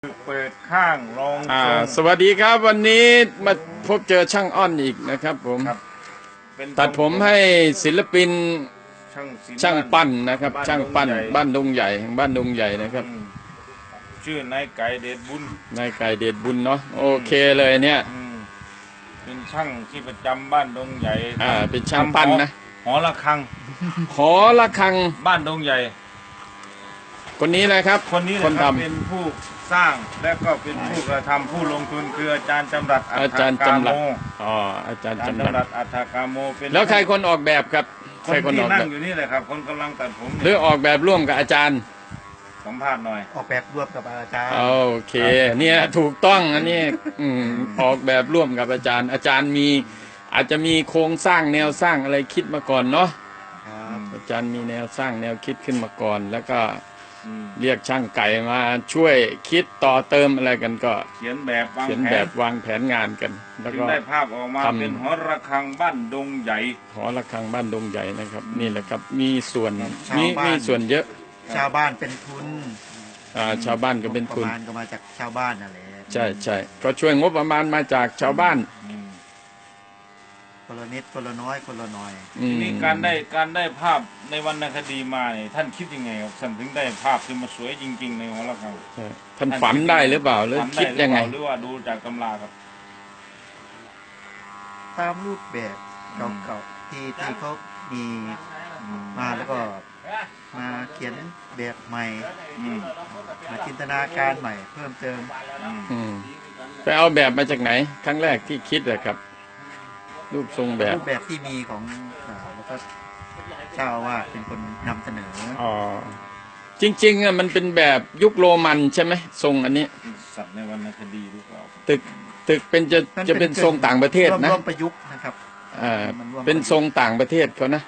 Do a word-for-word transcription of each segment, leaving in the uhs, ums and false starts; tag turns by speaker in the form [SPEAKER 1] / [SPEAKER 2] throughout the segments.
[SPEAKER 1] เปิดข้างลองทรง
[SPEAKER 2] สวัสดีครับวันนี้มาพบเจอช่างอ้อนอีกนะครับผม
[SPEAKER 1] ครับเป็น
[SPEAKER 2] ตัดผมให้ศิลปิน
[SPEAKER 1] ช่างศิลป์
[SPEAKER 2] ช่างปั้นนะครับ
[SPEAKER 1] บ้าน
[SPEAKER 2] ช่างปั้น
[SPEAKER 1] ดงใหญ่
[SPEAKER 2] บ้านดงใหญ่บ้านดงใหญ่นะครับ
[SPEAKER 1] อืมชื่อนายไก่เดชบุญ
[SPEAKER 2] นายไก่เดชบุญเนาะโอเคเลยเนี่ย
[SPEAKER 1] อืมเป็นช่างที่ประจำบ้านดงใหญ่
[SPEAKER 2] อ่าเป็นช่างปั้นนะ
[SPEAKER 1] หอระฆัง
[SPEAKER 2] หอระฆัง
[SPEAKER 1] บ้านดงใหญ่
[SPEAKER 2] คนนี้นะครับ
[SPEAKER 1] คนนี้
[SPEAKER 2] คน
[SPEAKER 1] นะครับ
[SPEAKER 2] ทำ
[SPEAKER 1] เป็นผู้สร้างและก็เป็นผู้กระทำผู้ลงทุนคืออาจารย์จำรัดอั
[SPEAKER 2] อา
[SPEAKER 1] ฏ
[SPEAKER 2] จารย์
[SPEAKER 1] ฐกา
[SPEAKER 2] จำรัด
[SPEAKER 1] โม
[SPEAKER 2] อ๋ออาจารย์
[SPEAKER 1] อาจารย์
[SPEAKER 2] จำรั
[SPEAKER 1] จำรั
[SPEAKER 2] ด
[SPEAKER 1] ดอัฏฐกาโมเป็น
[SPEAKER 2] แล้วใครคนออกแบบครับ
[SPEAKER 1] ค
[SPEAKER 2] ใคร
[SPEAKER 1] น
[SPEAKER 2] คน
[SPEAKER 1] ที่
[SPEAKER 2] ออก
[SPEAKER 1] นั่
[SPEAKER 2] แบ
[SPEAKER 1] ง
[SPEAKER 2] บ
[SPEAKER 1] อยู่นี่แหละครับ คนกำลังตัดผม
[SPEAKER 2] หรือออกแบบร่วมกับอาจารย์
[SPEAKER 1] สัมภาษณ์หน่อย
[SPEAKER 3] ออกแบบร่วมกับอาจารย์
[SPEAKER 2] โอเคเนี่ยถูกต้องอันนี้อืมออกแบบร่วมกับอาจารย์ อาจารย์มีอาจจะมีโครงสร้างแนวสร้างอะไรคิดมาก่อนเนาะ
[SPEAKER 3] ครับ
[SPEAKER 2] อาจารย์มีแนวสร้างแนวคิดขึ้นมาก่อน แล้วก็
[SPEAKER 1] อืม
[SPEAKER 2] เรียกช่างไก่มาช่วยคิดต่อเติมอะไรกันก็
[SPEAKER 1] เขียนแบบวาง
[SPEAKER 2] เขียน
[SPEAKER 1] แผ
[SPEAKER 2] แบบ
[SPEAKER 1] น
[SPEAKER 2] วางแผนงานกัน แล้ว
[SPEAKER 1] จึง
[SPEAKER 2] ก็
[SPEAKER 1] ได้ภาพออกมา
[SPEAKER 2] ทำ
[SPEAKER 1] เป็นหอระฆังบ้านดงใหญ่
[SPEAKER 2] หอระฆังบ้านดงใหญ่นะครับ นี่แหละครับมีส่วนมีมีส่วนเยอะ
[SPEAKER 3] ชาวบ้านเป็นทุน
[SPEAKER 2] อ่าชาวบ้านก็เป็นทุน
[SPEAKER 3] ประมาณก็มาจากชาวบ้านนั่นแหละ
[SPEAKER 2] ใช่ใช่ก็ช่วยงบประมาณมาจากชาวบ้าน
[SPEAKER 1] อืม
[SPEAKER 3] คนละนิดคนละน้อยคนละหน่อย
[SPEAKER 2] อื
[SPEAKER 1] ที
[SPEAKER 2] ม
[SPEAKER 1] นี้การได้การได้ภาพในวรรณคดีมาเนี่ยท่านคิดยังไงครับท่านถึงได้ภาพที่มาสวยจริง ๆ ในหอระฆัง
[SPEAKER 2] ใช่ท่านฝันได้หรือเปล่าหรือ
[SPEAKER 1] ฝัน
[SPEAKER 2] คิดยังไง
[SPEAKER 1] หรือว่าดูจากตำราครับ
[SPEAKER 3] ตามรูปแบบเก่าๆที่ที่เขามีมาแล้วก็มาเขียนแบบใหม่
[SPEAKER 1] อืม
[SPEAKER 3] มาจินตนาการใหม่ เพิ่มเติม
[SPEAKER 1] อืม
[SPEAKER 2] อืมไปเอาแบบมาจากไหน ครั้งแรกที่คิดเลยครับ รูปทรงแบบ
[SPEAKER 3] รูปแบบที่มีของอ่าแล้วก็เจ้าอาว่าสเป็นคนนำเสนอ
[SPEAKER 2] อ๋อจริงๆอ่ะมันเป็นแบบยุคโรมันใช่ไหมทรงอันนี้
[SPEAKER 1] สัตว์ในวรรณคดีหรือเปล่า
[SPEAKER 2] ตึกตึกเป็นจะจะเป็นทรงต่างประเทศนะ
[SPEAKER 3] ร่วมประยุกต์นะครับ
[SPEAKER 2] อ่า
[SPEAKER 3] มันร่วม
[SPEAKER 2] เป็นทรงต่างประเทศเขานะ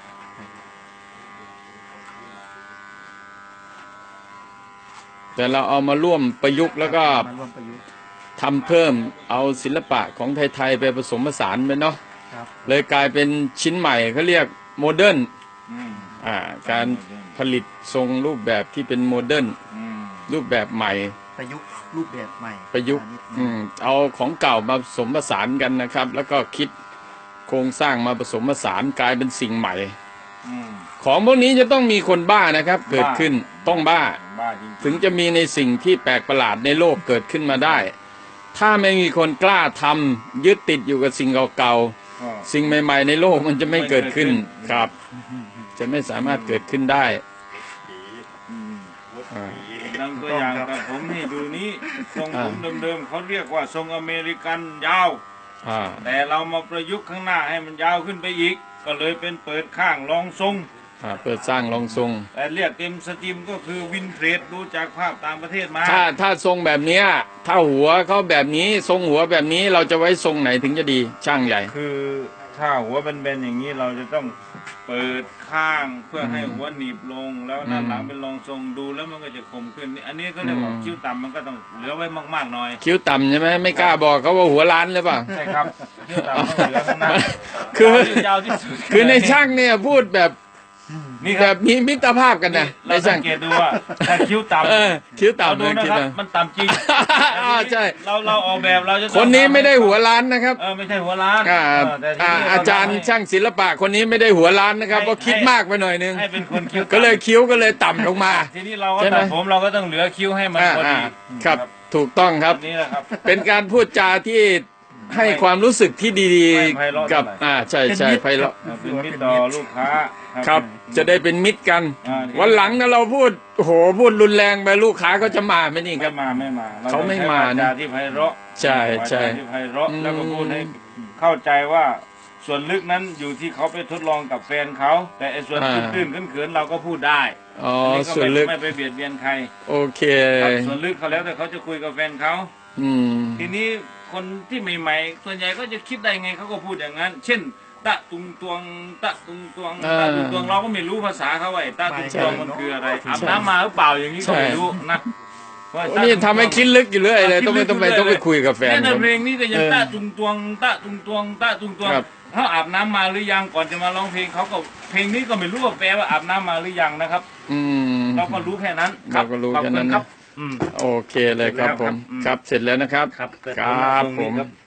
[SPEAKER 2] แต่เราเอามาร่วมประยุกต์แล้วก็
[SPEAKER 3] มาร่วมประยุกต์
[SPEAKER 2] ทำเพิ่มเอาศิลปะของไทยๆไปผสมผสานไปเนาะ
[SPEAKER 3] ครับ
[SPEAKER 2] เลยกลายเป็นชิ้นใหม่เขาเรียกโมเดิร์น
[SPEAKER 1] อืม
[SPEAKER 2] อ่าการผลิตทรงรูปแบบที่เป็นโมเดิร์น
[SPEAKER 1] อืม
[SPEAKER 2] รูปแบบใหม่
[SPEAKER 3] ประยุกต์รูปแบบใหม่
[SPEAKER 2] ประยุกต์
[SPEAKER 3] มานิดนึง
[SPEAKER 2] อืมเอาของเก่ามาผสมผสานกันนะครับ แล้วก็คิดโครงสร้างมาผสมผสานกลายเป็นสิ่งใหม่
[SPEAKER 1] อืม
[SPEAKER 2] ของพวกนี้จะต้องมีคนบ้านะครับ เกิดขึ้นต้องบ้า
[SPEAKER 1] บ้าจริง
[SPEAKER 2] ถึงจะมีในสิ่งที่แปลกประหลาดในโลกเกิดขึ้นมาได้ ถ้าไม่มีคนกล้าทำยึดติดอยู่กับสิ่งเก่า
[SPEAKER 1] ๆก็
[SPEAKER 2] ๆสิ่งใหม่ ๆ ในโลกมันจะไม่เกิดขึ้น
[SPEAKER 1] ไม่เกิดขึ้น
[SPEAKER 2] ครับ จะไม่สามารถเกิดขึ้นได้
[SPEAKER 1] อืม
[SPEAKER 2] อ่า
[SPEAKER 1] ดังตัวอย่างกับผมนี่ดูนี้ทรงผม
[SPEAKER 2] อ่า
[SPEAKER 1] เดิมๆเขาเรียกว่าทรงอเมริกันยาว
[SPEAKER 2] อ่า
[SPEAKER 1] แต่เรามาประยุกต์ข้างหน้าให้มันยาวขึ้นไปอีก ก็เลยเป็นเปิดข้างรองทรง
[SPEAKER 2] อ่าเปิดสร้างรองทรง
[SPEAKER 1] แต่เรียกเต็มสตรีมก็คือวินเทรดดูจากภาพต่างประเทศมา
[SPEAKER 2] ถ้าถ้าทรงแบบเนี้ยถ้าหัวเขาแบบนี้ทรงหัวแบบนี้เราจะไว้ทรงไหนถึงจะดีช่างใหญ่
[SPEAKER 1] คือถ้าหัวเป็นเบนๆอย่างนี้เราจะต้องเปิดข้างเพื่อให้หัวหนีบลง แล้วด้านหลังเป็นรองทรงดูแล้วมันก็จะคมขึ้น อันนี้ก็เรียกว่า
[SPEAKER 2] อืม
[SPEAKER 1] คิ้วต่ำมันก็ต้องเหลือไว้มากๆหน่อย
[SPEAKER 2] คิ้วต่ำใช่ไหมไม่กล้าบอกเขาว่าหัวล้านหรือเปล่า
[SPEAKER 1] ใช่ครับคิ้วต่ำต้องเหลือข้างหน้า
[SPEAKER 2] คือ
[SPEAKER 1] ยาวที่สุด
[SPEAKER 2] คือในช่างเนี่ยพูดแบบ
[SPEAKER 1] นี่ค
[SPEAKER 2] แบ
[SPEAKER 1] รับบ
[SPEAKER 2] มีมิตรภาพกันนะใน
[SPEAKER 1] เราสั
[SPEAKER 2] ช่าง
[SPEAKER 1] งเกตดูว่าถ้าคิ้วต่ำ
[SPEAKER 2] เออคิ้ว
[SPEAKER 1] เรา
[SPEAKER 2] ต่ำ
[SPEAKER 1] ดู
[SPEAKER 2] นะ
[SPEAKER 1] นะ
[SPEAKER 2] คิ้ว
[SPEAKER 1] ครับ
[SPEAKER 2] ต่ำ
[SPEAKER 1] มันต่ำจริง
[SPEAKER 2] อ่าใช่
[SPEAKER 1] เราเราออกแบบเราจะต้อง
[SPEAKER 2] คนนี้ไม่ได้หัว
[SPEAKER 1] ทำ
[SPEAKER 2] ล้านนะครับ
[SPEAKER 1] เออไม่ใช่หัวล้าน
[SPEAKER 2] อ่า
[SPEAKER 1] เออแต่ที
[SPEAKER 2] อ่า
[SPEAKER 1] นี้เ
[SPEAKER 2] อาจารย์
[SPEAKER 1] ทำให้
[SPEAKER 2] ช่างศิลปะคนนี้ไม่ได้หัวล้านนะครับเพราะคิดมากไปหน่อยนึง
[SPEAKER 1] ให้เป็นคนคิ้วต่ำ
[SPEAKER 2] ก็เลยคิ้วก็เลยต่ำลงมา
[SPEAKER 1] ทีนี้เราก็
[SPEAKER 2] ใช่ไหม
[SPEAKER 1] ตัดผมเราก็ต้องเหลือคิ้วให้มัน
[SPEAKER 2] อ่า
[SPEAKER 1] พอ
[SPEAKER 2] อ่า
[SPEAKER 1] ดี
[SPEAKER 2] ครับถูกต้องครับ
[SPEAKER 1] อันนี้แหละครับ
[SPEAKER 2] เป็นการพูดจาที่ให้ความรู้สึกที่ดี
[SPEAKER 1] ไม่ไพเราะ
[SPEAKER 2] ๆกับ
[SPEAKER 1] เท่าไหร่
[SPEAKER 2] อ่าใช่ใช่ไพเราะ
[SPEAKER 1] เออเป็นมิตรต่อลูกค้า
[SPEAKER 2] ครับ จะได้เป็นมิตรกัน
[SPEAKER 1] อ่า
[SPEAKER 2] วันหลังนะเราพูดโอ้โหพูดรุนแรงไปลูกค้าก็จะมาไหมนี่ค
[SPEAKER 1] ไม่
[SPEAKER 2] รับ
[SPEAKER 1] มาไม่มา
[SPEAKER 2] เขาไม่มา
[SPEAKER 1] เร
[SPEAKER 2] นะ
[SPEAKER 1] ต้องใช้วจที่ไพเราะ
[SPEAKER 2] ใช่ใช่
[SPEAKER 1] วาจาที่ไพเราะ
[SPEAKER 2] อืม
[SPEAKER 1] แล้วก็พูดให้เข้าใจว่าส่วนลึกนั้นอยู่ที่เขาไปทดลองกับแฟนเขาแต่ไอ้ส่วนตื้นๆเขินๆเราก็พูดได้
[SPEAKER 2] อ๋อ
[SPEAKER 1] อันนี้ก็
[SPEAKER 2] ส่วน
[SPEAKER 1] ไม่
[SPEAKER 2] ลึก
[SPEAKER 1] ไม่ไปเบียดเบียนใคร
[SPEAKER 2] โอเค
[SPEAKER 1] ครับส่วนลึกเขาแล้วแต่เขาจะคุยกับแฟนเขา
[SPEAKER 2] อืม
[SPEAKER 1] ทีนี้คนที่ใหม่ๆส่วนใหญ่ก็จะคิดได้ไงเขาก็พูดอย่างนั้น เช่น ตะตุงตวงตะตุงตวงตะตุงตวงเราก็ไม่รู้ภาษาเขาไอ้ตะตุงตวงมันคืออะไรอาบน้ำมาหรือเปล่าอย่างนี้ก็ไม่รู้นะว่า
[SPEAKER 2] โอ้
[SPEAKER 1] ตะ
[SPEAKER 2] นี่
[SPEAKER 1] ตุงตวง
[SPEAKER 2] ทำให้คิดลึกอยู่เรื่อยเลยต้องไปต้องไปต้องไปคุยกับแฟน
[SPEAKER 1] แค่ใน
[SPEAKER 2] ผม
[SPEAKER 1] เพลงนี้ก็ยัง
[SPEAKER 2] เออ
[SPEAKER 1] ตะตุงตวงตะตุงตวงตะตุงตวง
[SPEAKER 2] ครับ
[SPEAKER 1] เขาอาบน้ำมาหรือยังก่อนจะมาร้องเพลงเขาก็เพลงนี้ก็ไม่รู้ว่าแปลว่าอาบน้ำมาหรือยังนะครับ
[SPEAKER 2] อืม
[SPEAKER 1] เราก็รู้แค่นั้น
[SPEAKER 2] เราก็รู้
[SPEAKER 1] ขอบ
[SPEAKER 2] แค่
[SPEAKER 1] คุ
[SPEAKER 2] นั้
[SPEAKER 1] ณ
[SPEAKER 2] น
[SPEAKER 1] ครั
[SPEAKER 2] นะ
[SPEAKER 1] บอืม
[SPEAKER 2] โอเคเลยครับผม
[SPEAKER 1] เสร็จแล้วครับอืม
[SPEAKER 2] ครับเสร็จแล้วนะครับ
[SPEAKER 1] ครับ
[SPEAKER 2] ครับผม
[SPEAKER 1] ครับ